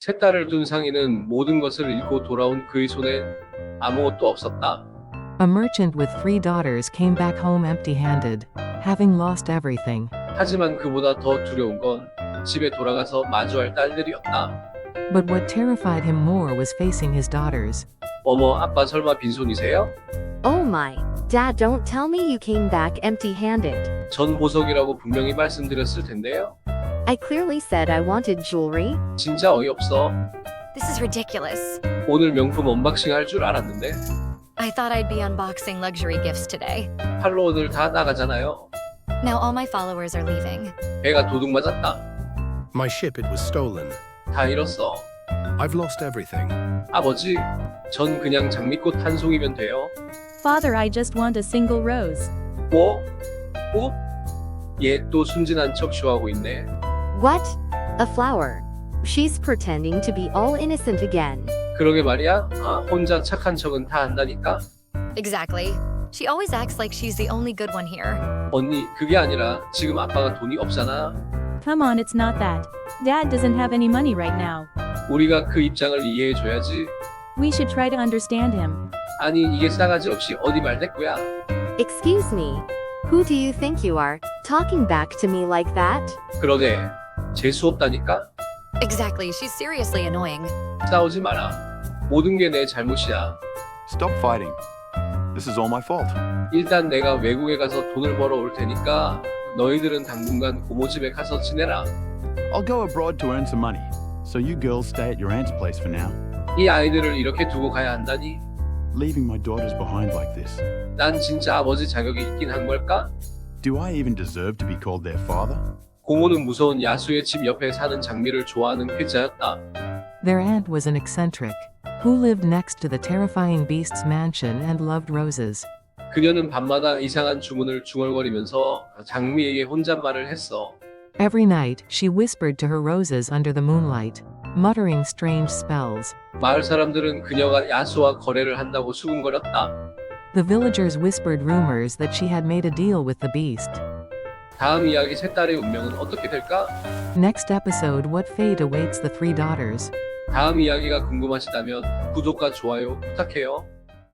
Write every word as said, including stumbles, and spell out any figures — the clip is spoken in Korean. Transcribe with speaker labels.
Speaker 1: 세 딸을 둔 상인은 모든 것을 잃고 돌아온 그의 손엔 아무것도 없었다.
Speaker 2: A merchant with three daughters came back home empty-handed, having lost everything.
Speaker 1: 하지만 그보다 더 두려운 건 집에 돌아가서 마주할 딸들이었다.
Speaker 2: But what terrified him more was facing his daughters.
Speaker 1: 어머, 아빠 설마 빈손이세요?
Speaker 3: Oh my. Dad, don't tell me you came back empty-handed.
Speaker 1: 전 보석이라고 분명히 말씀드렸을 텐데요.
Speaker 3: I clearly said I wanted jewelry.
Speaker 1: 진짜 어이없어.
Speaker 4: This is ridiculous.
Speaker 1: 오늘 명품 언박싱 할 줄 알았는데
Speaker 4: I thought I'd be unboxing luxury gifts today.
Speaker 1: 팔로워들 다 나가잖아요.
Speaker 4: Now all my followers are leaving.
Speaker 1: 배가 도둑 맞았다.
Speaker 5: My ship, it was stolen.
Speaker 1: 다 잃었어.
Speaker 5: I've lost everything.
Speaker 1: 아버지, 전 그냥 장미꽃 한 송이면 돼요.
Speaker 6: Father, I just want a single rose.
Speaker 1: 뭐? 꽃? 얘 또 순진한 척 쇼하고 있네.
Speaker 3: What? A flower. She's pretending to be all innocent again.
Speaker 1: 그러게 말이야. 아, 혼자 착한 척은 다 한다니까.
Speaker 4: Exactly. She always acts like she's the only good one here.
Speaker 1: 언니, 그게 아니라 지금 아빠가 돈이 없잖아.
Speaker 6: Come on, it's not that. Dad doesn't have any money right now.
Speaker 1: 우리가 그 입장을 이해해줘야지.
Speaker 6: We should try to understand him.
Speaker 1: 아니, 이게 싸가지 없이 어디 말대꾸야.
Speaker 3: Excuse me. Who do you think you are, talking back to me like that?
Speaker 1: 그러게, 재수 없다니까.
Speaker 4: Exactly. She's seriously annoying.
Speaker 1: 싸우지 마라. 모든 게 내 잘못이야.
Speaker 7: Stop fighting. This is all my fault.
Speaker 1: 일단 내가 외국에 가서 돈을 벌어 올 테니까 너희들은 당분간 고모 집에 가서 지내라.
Speaker 7: I'll go abroad to earn some money, so you girls stay at your aunt's place for now.
Speaker 1: 이 아이들을 이렇게 두고 가야 한다니.
Speaker 7: Leaving my daughters behind like this.
Speaker 1: 난 진짜 아버지 자격이 있긴 한 걸까?
Speaker 7: Do I even deserve to be called their father?
Speaker 1: 고모는 무서운 야수의 집 옆에 사는 장미를 좋아하는 회자였다.
Speaker 2: Their aunt was an eccentric, who lived next to the terrifying beast's mansion and loved roses.
Speaker 1: 그녀는 밤마다 이상한 주문을 중얼거리면서 장미에게 혼잣말을 했어.
Speaker 2: Every night, she whispered to her roses under the moonlight, muttering strange spells.
Speaker 1: 마을 사람들은 그녀가 야수와 거래를 한다고 수군거렸다.
Speaker 2: The villagers whispered rumors that she had made a deal with the beast.
Speaker 1: 다음 이야기 세 딸의 운명은 어떻게 될까?
Speaker 2: Next episode, what fate awaits the three daughters?
Speaker 1: 다음 이야기가 궁금하시다면 구독과 좋아요 부탁해요.